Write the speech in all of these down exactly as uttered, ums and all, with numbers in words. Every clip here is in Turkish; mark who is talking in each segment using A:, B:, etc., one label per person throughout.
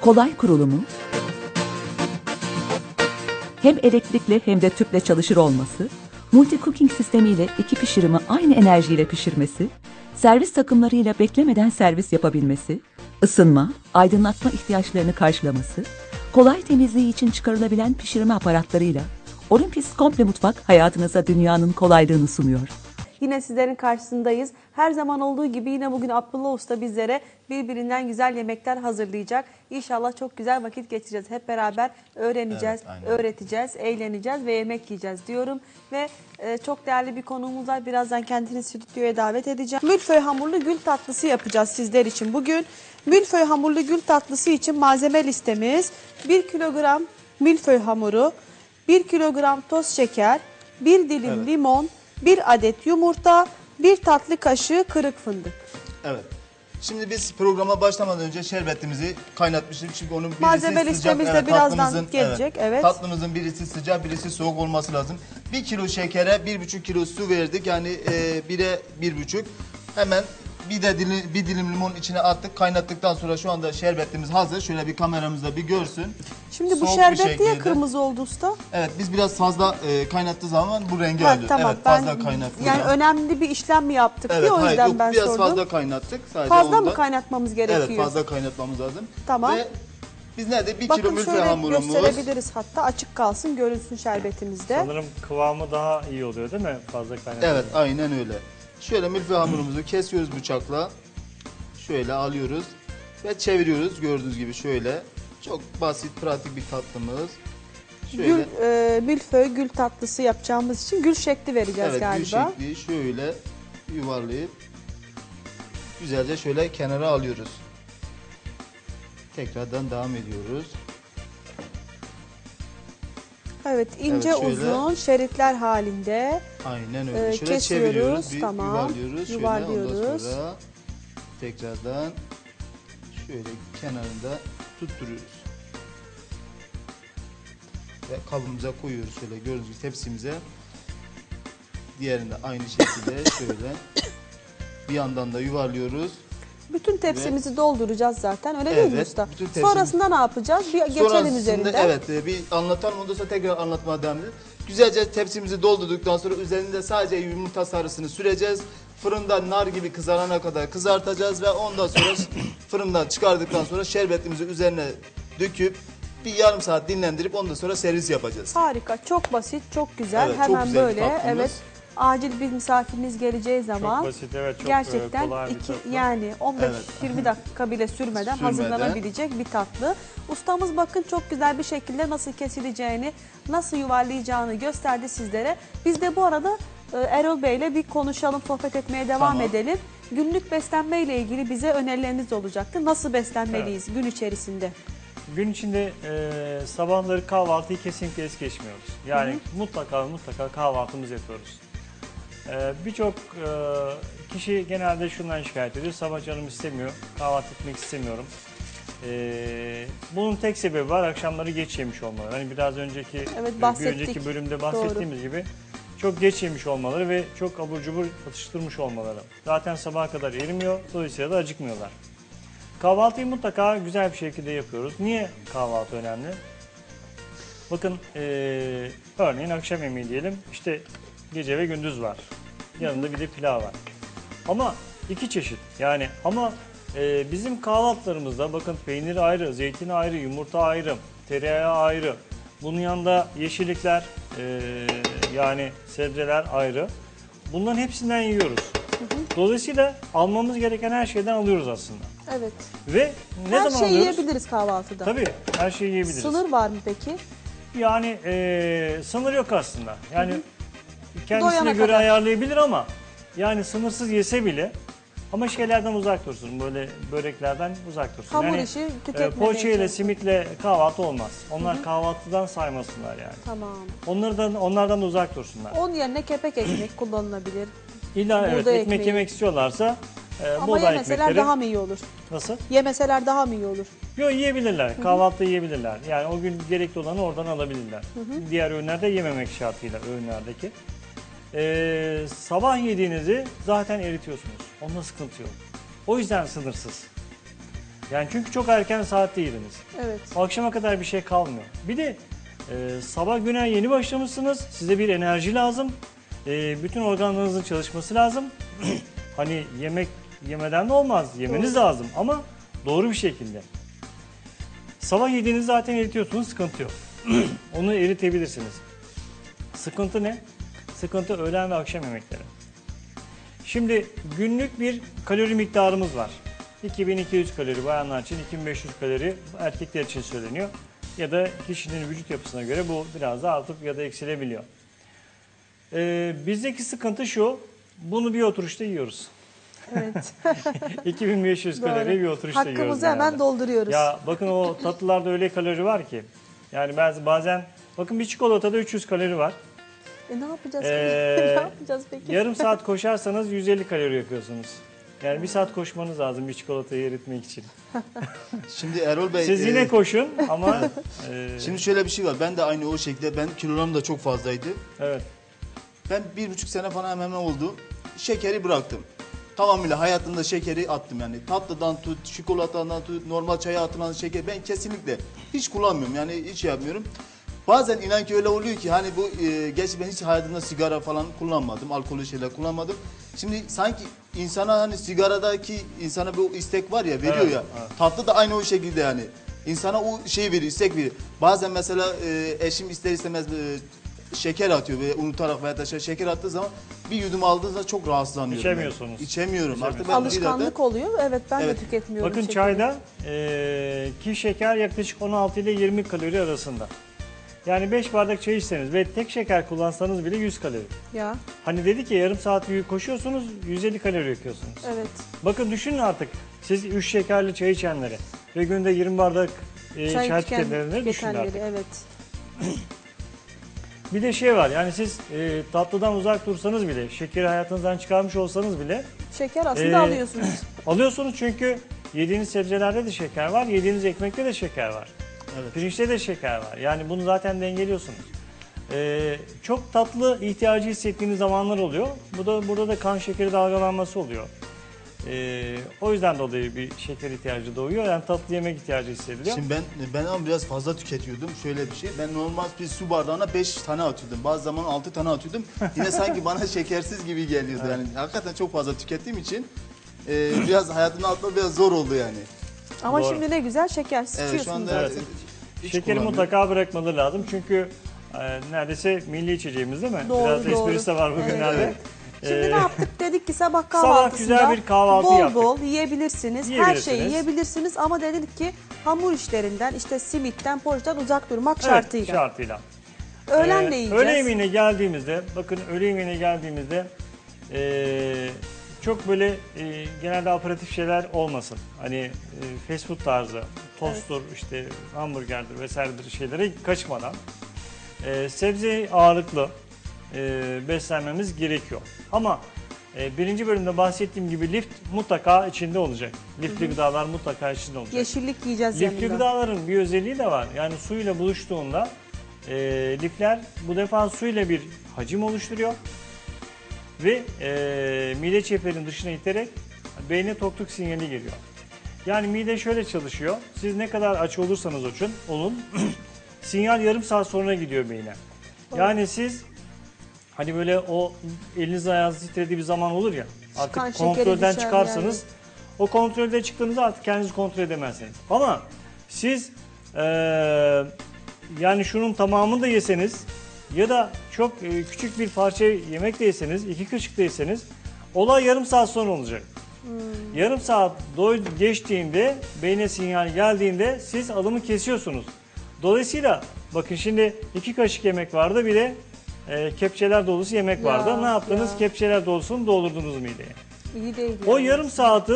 A: kolay kurulumu, hem elektrikli hem de tüple çalışır olması, multi cooking sistemiyle iki pişirimi aynı enerjiyle pişirmesi, servis takımlarıyla beklemeden servis yapabilmesi, ısınma, aydınlatma ihtiyaçlarını karşılaması, kolay temizliği için çıkarılabilen pişirme aparatlarıyla Olympus Komple Mutfak hayatınıza dünyanın kolaylığını sunuyor.
B: Yine sizlerin karşısındayız. Her zaman olduğu gibi yine bugün Abdullah Usta bizlere birbirinden güzel yemekler hazırlayacak. İnşallah çok güzel vakit geçireceğiz. Hep beraber öğreneceğiz,
C: Evet,
B: öğreteceğiz, eğleneceğiz ve yemek yiyeceğiz diyorum. Ve e, çok değerli bir konuğumuz var. Birazdan kendini stüdyoya davet edeceğim. Milföy hamurlu gül tatlısı yapacağız sizler için bugün. Milföy hamurlu gül tatlısı için malzeme listemiz bir kilogram milföy hamuru, bir kilogram toz şeker, bir dilim
C: Evet.
B: limon, bir adet yumurta, bir tatlı kaşığı kırık fındık.
C: Evet. Şimdi biz programa başlamadan önce şerbetimizi kaynatmıştık. Çünkü onun birisi
B: Malzeme
C: sıcak.
B: listemiz de
C: evet,
B: birazdan
C: tatlımızın-
B: gelecek, evet.
C: Tatlımızın birisi sıcak, birisi soğuk olması lazım. Bir kilo şekere bir buçuk kilo su verdik. Yani e, bire bir buçuk. Hemen bir de dilim, bir dilim limon içine attık. Kaynattıktan sonra şu anda şerbetimiz hazır. Şöyle bir kameramızda bir görsün.
B: Şimdi bu
C: Soğuk bir
B: şerbet niye
C: şekilde.
B: kırmızı oldu usta?
C: Evet, biz biraz fazla e, kaynattığı zaman bu rengi
B: Ha,
C: alıyor.
B: tamam.
C: Evet, fazla kaynattığı
B: Yani
C: zaman.
B: önemli bir işlem mi yaptık
C: Evet,
B: diye o
C: hayır,
B: yüzden
C: yok,
B: ben
C: biraz
B: sordum.
C: fazla kaynattık. Sadece
B: Fazla
C: ondan.
B: mı kaynatmamız gerekiyor?
C: Evet, fazla kaynatmamız lazım.
B: Tamam.
C: Ve biz nerede? Bir kilo
B: Bakın
C: milföy
B: şöyle
C: hamurumuz.
B: gösterebiliriz hatta açık kalsın görünsün şerbetimizde.
D: Sanırım kıvamı daha iyi oluyor değil mi? Fazla kaynatınca.
C: Evet, aynen öyle. Şöyle milföy hamurumuzu kesiyoruz bıçakla. Şöyle alıyoruz ve çeviriyoruz gördüğünüz gibi şöyle. Çok basit, pratik bir tatlımız. Şöyle.
B: Gül, e, milföy gül tatlısı yapacağımız için gül şekli vereceğiz
C: Evet,
B: galiba.
C: gül şekli şöyle yuvarlayıp güzelce şöyle kenara alıyoruz. Tekrardan devam ediyoruz.
B: Evet, ince
C: Evet, şöyle.
B: uzun şeritler halinde.
C: Aynen öyle.
B: Ee,
C: şöyle
B: kesiyoruz,
C: çeviriyoruz, bir
B: tamam.
C: yuvarlıyoruz. Şöyle ondan
B: Yuvarlıyoruz.
C: sonra tekrardan şöyle kenarında tutturuyoruz. Ve kabımıza koyuyoruz şöyle gördüğünüz gibi tepsimize. Diğerinde aynı şekilde şöyle bir yandan da yuvarlıyoruz.
B: Bütün tepsimizi dolduracağız zaten öyle değil mi
C: Evet,
B: usta?
C: bütün tepsimiz-
B: Sonrasında ne yapacağız? Bir geçelim
C: Sonrasında
B: üzerinden.
C: evet e, bir anlatalım ondan sonra tekrar anlatmaya devam edelim. Güzelce tepsimizi doldurduktan sonra üzerinde sadece yumurta sarısını süreceğiz. Fırında nar gibi kızarana kadar kızartacağız ve ondan sonra fırından çıkardıktan sonra şerbetimizi üzerine döküp bir yarım saat dinlendirip ondan sonra servis yapacağız.
B: Harika, çok basit, çok güzel.
C: Evet, çok
B: Hemen
C: güzel bir
B: böyle.
C: tatlımız.
B: Evet. Acil bir misafiriniz geleceği zaman
D: Çok basit, evet, çok
B: gerçekten
D: e, kolay bir
B: iki,
D: tatlı.
B: yani on beş
C: Evet.
B: yirmi dakika bile sürmeden,
C: Sürmeden.
B: hazırlanabilecek bir tatlı. Ustamız bakın çok güzel bir şekilde nasıl kesileceğini, nasıl yuvarlayacağını gösterdi sizlere. Biz de bu arada e, Erol Bey ile bir konuşalım, sohbet etmeye devam
C: Tamam.
B: edelim. Günlük beslenme ile ilgili bize önerileriniz olacaktı. Nasıl beslenmeliyiz gün içerisinde?
D: Gün içinde e, sabahları kahvaltıyı kesinlikle es geçmiyoruz. Yani mutlaka mutlaka kahvaltımızı yapıyoruz. E, Birçok e, kişi genelde şundan şikayet ediyor. Sabah canım istemiyor, kahvaltı etmek istemiyorum. E, bunun tek sebebi var, akşamları geç yemiş olmaları. Hani biraz önceki
B: Evet,
D: bir
B: bahsettik.
D: önceki bölümde bahsettiğimiz gibi çok geç yemiş olmaları ve çok abur cubur atıştırmış olmaları. Zaten sabaha kadar erimiyor, dolayısıyla da acıkmıyorlar. Kahvaltıyı mutlaka güzel bir şekilde yapıyoruz. Niye kahvaltı önemli? Bakın eee, örneğin akşam yemeği diyelim, işte gece ve gündüz var. Yanında bir de pilav var. Ama iki çeşit yani ama eee, bizim kahvaltılarımızda bakın peynir ayrı, zeytin ayrı, yumurta ayrı, tereyağı ayrı. Bunun yanında yeşillikler eee, yani sebzeler ayrı. Bunların hepsinden yiyoruz. Dolayısıyla almamız gereken her şeyden alıyoruz aslında.
B: Evet.
D: Ve ne
B: Her
D: zaman
B: şeyi
D: alıyoruz?
B: yiyebiliriz kahvaltıda.
D: Tabii her şeyi yiyebiliriz.
B: Sınır var mı peki?
D: Yani e, sınır yok aslında. Yani kendisine
B: Doyana
D: göre
B: kadar.
D: ayarlayabilir ama yani sınırsız yese bile ama şeylerden uzak dursun. Böyle böreklerden uzak dursun.
B: Hamur
D: yani,
B: işi
D: e,
B: tüketmemeye
D: poğaça ile
B: çalışın.
D: simitle kahvaltı olmaz. Onlar kahvaltıdan saymasınlar yani.
B: Tamam.
D: Onlardan onlardan da uzak dursunlar.
B: Onun yerine kepek ekmek kullanılabilir.
D: İlla evet
B: buğday
D: ekmek
B: ekmeği.
D: yemek istiyorlarsa e,
B: Ama
D: buğday
B: yemeseler
D: ekmekleri
B: daha mı iyi olur?
D: nasıl?
B: Yemeseler daha mı iyi olur?
D: Yok yiyebilirler. Kahvaltı yiyebilirler. Yani o gün gerekli olanı oradan alabilirler. Diğer öğünlerde yememek şartıyla öğünlerdeki. Ee, sabah yediğinizi zaten eritiyorsunuz. Onda sıkıntı yok. O yüzden sınırsız. Yani çünkü çok erken saatte yediniz.
B: Evet.
D: Akşama kadar bir şey kalmıyor. Bir de e, sabah güne yeni başlamışsınız. Size bir enerji lazım. E, bütün organlarınızın çalışması lazım. Hani yemek yemeden de olmaz. Yemeniz
B: Doğru.
D: lazım ama doğru bir şekilde. Sabah yediğinizi zaten eritiyorsunuz, sıkıntı yok. Onu eritebilirsiniz. Sıkıntı ne? Sıkıntı öğlen ve akşam yemekleri. Şimdi günlük bir kalori miktarımız var. iki bin iki yüz kalori bayanlar için, iki bin beş yüz kalori erkekler için söyleniyor. Ya da kişinin vücut yapısına göre bu biraz da artıp ya da eksilebiliyor. Ee, bizdeki sıkıntı şu, bunu bir oturuşta yiyoruz.
B: Evet.
D: iki bin beş yüz kalori bir oturuşta yiyoruz.
B: Hakkımızı hemen
D: genelde.
B: dolduruyoruz.
D: Ya bakın o tatlılarda öyle kalori var ki. Yani bazen, bazen bakın bir çikolatada üç yüz kalori var.
B: E ne yapacağız
D: Ee,
B: peki? Ne yapacağız peki?
D: Yarım saat koşarsanız yüz elli kalori yakıyorsunuz. Yani bir saat koşmanız lazım bir çikolatayı eritmek için.
C: Şimdi Erol Bey,
D: Siz
C: e,
D: yine koşun ama e,
C: şimdi şöyle bir şey var. Ben de aynı o şekilde, ben kilolarım da çok fazlaydı.
D: evet.
C: Ben bir buçuk sene falan hemen hemen oldu. Şekeri bıraktım. Tamamıyla hayatımda şekeri attım yani. Tatlıdan tut, çikolatadan tut, normal çaya atılan şeker ben kesinlikle hiç kullanmıyorum yani hiç şey yapmıyorum. Bazen inan ki öyle oluyor ki hani bu e, gerçi ben hiç hayatımda sigara falan kullanmadım, alkollü şeyler kullanmadım. Şimdi sanki insana hani sigaradaki insana bu istek var ya veriyor
D: Evet,
C: ya.
D: evet.
C: Tatlı da aynı o şekilde yani. İnsana o şey veriyor, istek veriyor. Bazen mesela e, eşim ister istemez e, şeker atıyor ve unutarak veya da şey- şeker attığı zaman bir yudum aldığınızda çok rahatsızlanıyorum.
D: İçemiyorsunuz.
C: Yani. İçemiyorum. Artık ben bir
B: Alışkanlık oluyor. Evet ben
C: Evet.
B: de tüketmiyorum
D: Bakın
B: şekeri.
D: çayda e, ki şeker yaklaşık on altı ile yirmi kalori arasında. Yani beş bardak çay içseniz ve tek şeker kullansanız bile yüz kalori.
B: Ya
D: Hani dedi ki yarım saat koşuyorsunuz yüz elli kalori yakıyorsunuz.
B: evet.
D: Bakın düşünün artık siz üç şekerli çay içenleri ve günde yirmi bardak e, çay,
B: Çay
D: tüketenleri düşünün
B: tüketenleri
D: artık.
B: evet.
D: Bir de şey var yani siz e, tatlıdan uzak dursanız bile, şekeri hayatınızdan çıkarmış olsanız bile
B: Şeker aslında
D: Ee,
B: alıyorsunuz.
D: alıyorsunuz çünkü yediğiniz sebzelerde de şeker var, yediğiniz ekmekte de şeker var.
C: Evet.
D: Pirinçte de şeker var. Yani bunu zaten dengeliyorsunuz. Ee, çok tatlı ihtiyacı hissettiğiniz zamanlar oluyor. Bu da burada da kan şekeri dalgalanması oluyor. Ee, o yüzden dolayı bir şeker ihtiyacı doğuyor. Yani tatlı yemek ihtiyacı hissediliyor.
C: Şimdi ben ben ama biraz fazla tüketiyordum. Şöyle bir şey. Ben normal bir su bardağına beş tane atıyordum. Bazı zaman altı tane atıyordum. Yine sanki bana şekersiz gibi geliyordu. Yani hakikaten çok fazla tükettiğim için e, biraz hayatımın altında biraz zor oldu yani.
B: Ama
D: Doğru.
B: şimdi ne güzel şekersiz
C: Evet şu
B: içiyorsunuz.
C: anda
D: Evet.
C: e, hiç
D: Şekeri
C: kullanmıyorum.
D: mutlaka bırakmaları lazım. Çünkü e, neredeyse milli içeceğimiz değil mi?
B: Doğru,
D: Biraz
B: doğru.
D: esprisi de var bugünlerde.
B: Evet. Şimdi
D: Ee,
B: ne yaptık? Dedik ki sabah
D: Sabah
B: kahvaltısında
D: güzel bir kahvaltı
B: bol
D: yaptık.
B: bol yiyebilirsiniz. Her
D: Yiyebilirsiniz.
B: şeyi yiyebilirsiniz ama dedik ki hamur işlerinden işte simitten, poğaçadan uzak durmak
D: Evet,
B: şartıyla.
D: şartıyla.
B: Öğlen
D: Ee,
B: de yiyeceğiz.
D: Öğle yemeğine geldiğimizde, bakın öğle yemeğine geldiğimizde ee, çok böyle ee, genelde aperatif şeyler olmasın. Hani ee, fast food tarzı, tosttur, işte hamburgerdir vesairedir şeylere kaçmadan ee, sebze ağırlıklı ee, beslenmemiz gerekiyor. Ama ee, birinci bölümde bahsettiğim gibi lif mutlaka içinde olacak. Lifli gıdalar mutlaka içinde olacak.
B: Yeşillik yiyeceğiz
D: Lifli
B: yanında.
D: gıdaların bir özelliği de var. Yani suyla buluştuğunda e, lifler bu defa suyla bir hacim oluşturuyor ve e, mide çeperinin dışına iterek beyne tokluk sinyali geliyor. Yani mide şöyle çalışıyor. Siz ne kadar aç olursanız olun, olun sinyal yarım saat sonra gidiyor beyne. Yani siz hani böyle o eliniz ayağınız titrediği bir zaman olur ya. Artık
B: Kan şekeri
D: kontrolden
B: düşer
D: çıkarsanız
B: yani.
D: o kontrolde çıktığınızda artık kendinizi kontrol edemezsiniz. Ama siz eee, yani şunun tamamını da yeseniz ya da çok e, küçük bir parça yemek de yeseniz, iki kaşık da yeseniz olay yarım saat sonra olacak.
B: Hmm.
D: Yarım saat doy geçtiğinde, beyne sinyal geldiğinde siz alımı kesiyorsunuz. Dolayısıyla bakın şimdi iki kaşık yemek vardı, bir de e, kepçeler dolusu yemek
B: Ya,
D: vardı. Ne yaptınız?
B: ya.
D: Kepçeler dolusunu doldurdunuz mideye.
B: İyi değil
D: O
B: yani.
D: yarım saati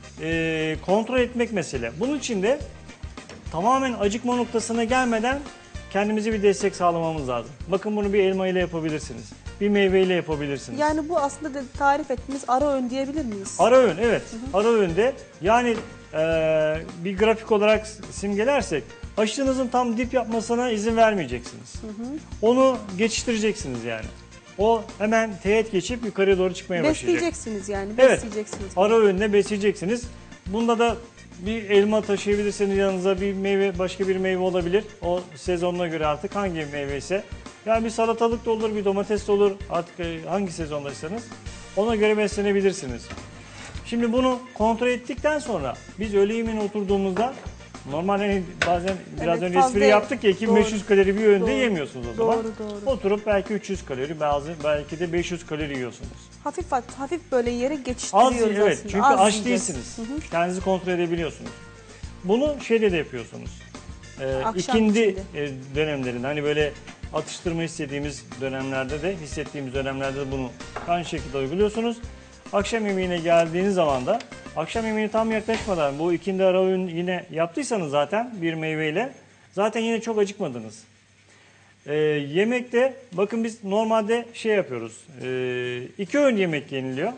D: e, kontrol etmek mesele. Bunun için de tamamen acıkma noktasına gelmeden kendimize bir destek sağlamamız lazım. Bakın bunu bir elma ile yapabilirsiniz. Bir meyveyle yapabilirsiniz.
B: Yani bu aslında de tarif ettiğimiz ara öğün diyebilir miyiz?
D: Ara öğün, evet. Ara öğünde yani e, bir grafik olarak simgelersek aşınızın tam dip yapmasına izin vermeyeceksiniz. Onu geçiştireceksiniz yani. O hemen teğet geçip yukarıya doğru çıkmaya başlayacak.
B: Besleyeceksiniz yani.
D: Evet.
B: Besleyeceksiniz.
D: Ara öğünle besleyeceksiniz. Bunda da bir elma taşıyabilirsiniz yanınıza, bir meyve, başka bir meyve olabilir. O sezonuna göre artık hangi meyve ise. Yani bir salatalık da olur, bir domates de olur. Artık e, hangi sezondaysanız ona göre beslenebilirsiniz. Şimdi bunu kontrol ettikten sonra biz öğle yemeğine oturduğumuzda normal hani bazen biraz
B: Evet,
D: önce
B: fazla-
D: espri yaptık ya iki bin beş yüz
B: Doğru.
D: kalori bir öğünde
B: Doğru.
D: yemiyorsunuz o zaman.
B: Doğru, doğru.
D: Oturup belki üç yüz kalori, bazı belki de beş yüz kalori yiyorsunuz.
B: Hafif hafif böyle yere
D: Az,
B: geçiştiriyoruz
D: evet,
B: aslında.
D: çünkü
B: Az
D: aç
B: yiyeceğiz.
D: değilsiniz.
B: Hı hı.
D: Kendinizi kontrol edebiliyorsunuz. Bunu şeyde de yapıyorsunuz. Ee,
B: Akşam
D: ikindi
B: içinde.
D: e, dönemlerinde hani böyle atıştırma istediğimiz dönemlerde de, hissettiğimiz dönemlerde de bunu aynı şekilde uyguluyorsunuz. Akşam yemeğine geldiğiniz zaman da akşam yemeğine tam yaklaşmadan bu ikindi ara öğün yine yaptıysanız zaten bir meyveyle zaten yine çok acıkmadınız. Ee, yemekte bakın biz normalde şey yapıyoruz. Ee, iki öğün yemek yeniliyor.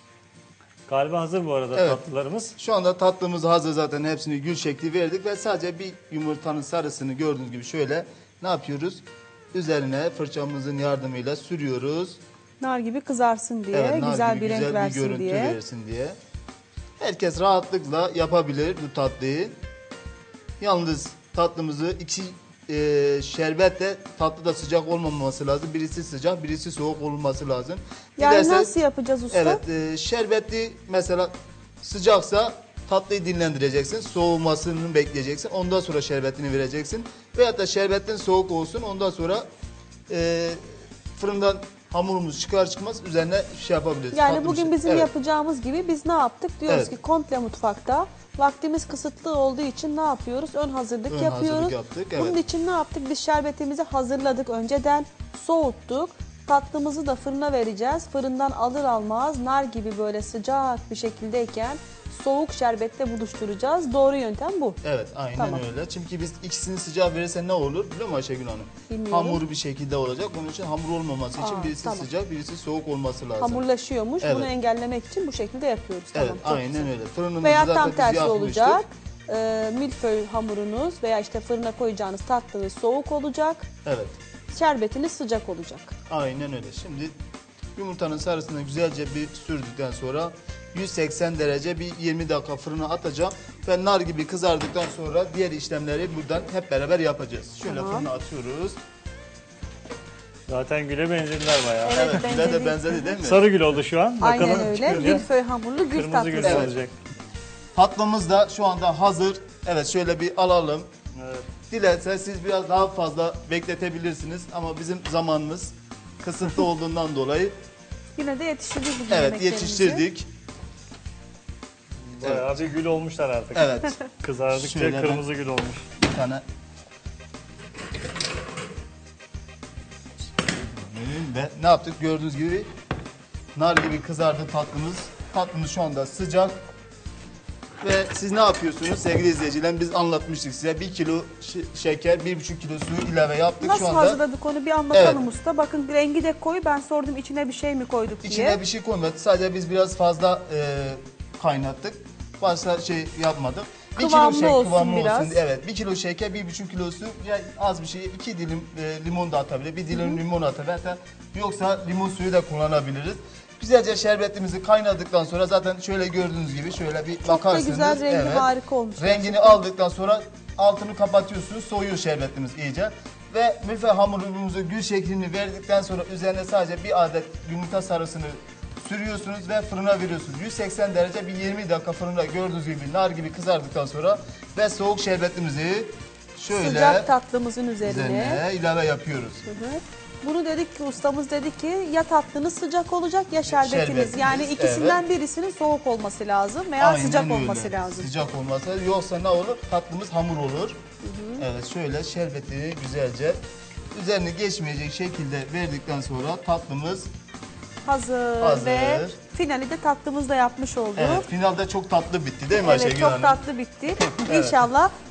D: Galiba hazır bu arada
C: Evet.
D: tatlılarımız.
C: Şu anda tatlımız hazır, zaten hepsini gül şekli verdik ve sadece bir yumurtanın sarısını gördüğünüz gibi şöyle ne yapıyoruz? Üzerine fırçamızın yardımıyla sürüyoruz.
B: Nar gibi kızarsın diye,
C: Evet, nar
B: güzel
C: gibi
B: bir renk
C: güzel bir
B: versin
C: görüntü
B: diye.
C: versin diye. Herkes rahatlıkla yapabilir bu tatlıyı. Yalnız tatlımızı iki e, şerbetle, tatlı da sıcak olmaması lazım. Birisi sıcak, birisi soğuk olması lazım.
B: Yani
C: Dilerseniz-
B: nasıl yapacağız usta?
C: Evet, e, şerbetli mesela sıcaksa tatlıyı dinlendireceksin. Soğumasını bekleyeceksin. Ondan sonra şerbetini vereceksin. Veyahut da şerbetin soğuk olsun. Ondan sonra e, fırından hamurumuz çıkar çıkmaz üzerine şey yapabiliriz.
B: Yani
C: Tatlı bir
B: bugün
C: şey.
B: bizim
C: Evet.
B: yapacağımız gibi biz ne yaptık? Diyoruz
C: Evet.
B: ki komple mutfakta. Vaktimiz kısıtlı olduğu için ne yapıyoruz? Ön hazırlık
C: Ön
B: yapıyoruz.
C: hazırlık yaptık,
B: Bunun
C: evet.
B: için ne yaptık? Biz şerbetimizi hazırladık önceden, soğuttuk. Tatlımızı da fırına vereceğiz. Fırından alır almaz nar gibi böyle sıcak bir şekildeyken soğuk şerbetle buluşturacağız. Doğru yöntem bu.
C: Evet, aynen
B: Tamam.
C: öyle. Çünkü biz ikisini sıcak verirsen ne olur biliyor musun Ayşegül Hanım?
B: Bilmiyorum.
C: Hamur bir şekilde olacak. Bunun için hamur olmaması için
B: Aa,
C: birisi
B: tamam.
C: sıcak, birisi soğuk olması lazım.
B: Hamurlaşıyormuş.
C: Evet.
B: Bunu engellemek için bu şekilde yapıyoruz.
C: Evet,
B: Tamam, çok
C: aynen
B: güzel.
C: öyle. Fırınımızı
B: Veya
C: zaten
B: tam
C: biz
B: tersi
C: yakmıştık.
B: olacak. Ee, milföy hamurunuz veya işte fırına koyacağınız tatlınız soğuk olacak.
C: Evet.
B: Şerbetiniz sıcak olacak.
C: Aynen öyle. Şimdi yumurtanın sarısını güzelce bir sürdükten sonra yüz seksen derece bir yirmi dakika fırına atacağım. Ve nar gibi kızardıktan sonra diğer işlemleri buradan hep beraber yapacağız. Şöyle
B: Tamam.
C: fırına atıyoruz.
D: Zaten güle benzediler bayağı.
B: Evet,
C: Evet, güle de
B: benzedi.
C: benzedi değil mi?
D: Sarı gül oldu şu an.
B: Aynen
D: Bakalım
B: öyle.
D: çıkınca
B: Milföy hamurlu gül
D: kırmızı gül
B: tatlısı.
C: Evet.
D: olacak.
C: Tatlımız da şu anda hazır. Evet, şöyle bir alalım.
D: Evet.
C: Dilerseniz siz biraz daha fazla bekletebilirsiniz ama bizim zamanımız kısıtlı olduğundan dolayı
B: Yine de yetiştirdik bizim
C: evet
B: yemeklerimizi.
C: yetiştirdik.
D: Bayağı bir gül olmuşlar artık.
C: Evet,
D: Kızardıkça
C: Şöyle ben-
D: kırmızı gül olmuş.
C: bir tane ve ne yaptık gördüğünüz gibi nar gibi kızardı tatlımız. Tatlımız şu anda sıcak. Ve siz ne yapıyorsunuz sevgili izleyiciler? Biz anlatmıştık size. Bir kilo ş- şeker, bir buçuk kilo suyu ilave yaptık
B: Nasıl
C: şu anda.
B: hazırladık onu bir anlatalım
C: Evet.
B: usta. Bakın rengi de koyu. Ben sordum içine bir şey mi koyduk diye.
C: İçine bir şey koymadık. Sadece biz biraz fazla e, kaynattık. Başka şey yapmadık. Bir
B: Kıvamlı
C: kilo
B: olsun
C: kıvamlı
B: biraz.
C: olsun. Evet, bir kilo şeker, bir buçuk kilo su. Ya az bir şey, iki dilim e, limon da atabilir, bir dilim limon atabilir. Hatta yoksa limon suyu da kullanabiliriz. Güzelce şerbetimizi kaynadıktan sonra zaten şöyle gördüğünüz gibi şöyle bir
B: Çok da
C: bakarsınız.
B: güzel rengi harika olmuş.
C: Rengini
B: gerçekten.
C: aldıktan sonra altını kapatıyorsunuz, soğuyor şerbetimiz iyice. Ve müfe hamurumuzu gül şeklini verdikten sonra üzerine sadece bir adet yumurta sarısını sürüyorsunuz ve fırına veriyorsunuz. yüz seksen derece bir yirmi dakika fırında gördüğünüz gibi nar gibi kızardıktan sonra ve soğuk şerbetimizi şöyle
B: Sıcak tatlımızın üzerine.
C: üzerine ilave yapıyoruz.
B: Hı hı. Bunu dedik ki ustamız dedi ki ya tatlınız sıcak olacak ya şerbetiniz.
C: Şerbetiniz,
B: Yani ikisinden birisinin soğuk olması lazım veya
C: Aynen
B: sıcak
C: öyle.
B: olması lazım.
C: Sıcak olması lazım. Yoksa ne olur? Tatlımız hamur olur. Evet, şöyle şerbetini güzelce üzerini geçmeyecek şekilde verdikten sonra tatlımız
B: Hazır,
C: Hazır.
B: ve finali de tatlımızda yapmış olduk.
C: evet, finalde çok tatlı bitti değil mi
B: Evet,
C: Ayşegül
B: çok
C: Hanım?
B: tatlı bitti. İnşallah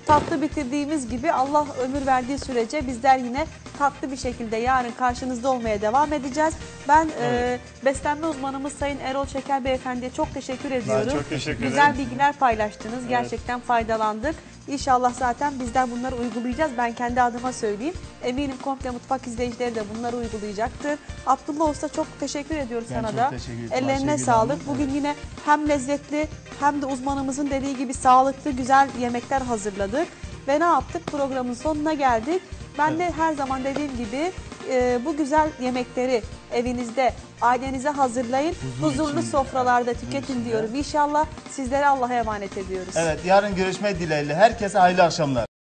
B: tatlı bitirdiğimiz gibi Allah ömür verdiği sürece bizler yine tatlı bir şekilde yarın karşınızda olmaya devam edeceğiz. Ben
D: Evet.
B: e, beslenme uzmanımız Sayın Erol Şeker Beyefendi'ye çok teşekkür ediyorum.
D: çok teşekkür ederim.
B: Güzel bilgiler paylaştınız. Gerçekten faydalandık. İnşallah zaten bizler bunları uygulayacağız. Ben kendi adıma söyleyeyim. Eminim komple mutfak izleyicileri de bunları uygulayacaktır. Abdullah Usta çok teşekkür ediyoruz
C: Ben
B: sana
C: çok
B: da.
C: teşekkür ederim
B: Ellerine
C: Ayşegül
B: sağlık.
C: Hanım.
B: Bugün yine hem lezzetli hem de uzmanımızın dediği gibi sağlıklı güzel yemekler hazırladık. Ve ne yaptık? Programın sonuna geldik. Ben de her zaman dediğim gibi e, bu güzel yemekleri evinizde, ailenize hazırlayın.
C: Huzur
B: Huzurlu
C: içinde.
B: sofralarda tüketin
C: içinde.
B: diyorum. İnşallah sizlere Allah'a emanet ediyoruz.
C: Evet, yarın görüşmek dileğiyle. Herkese hayırlı akşamlar.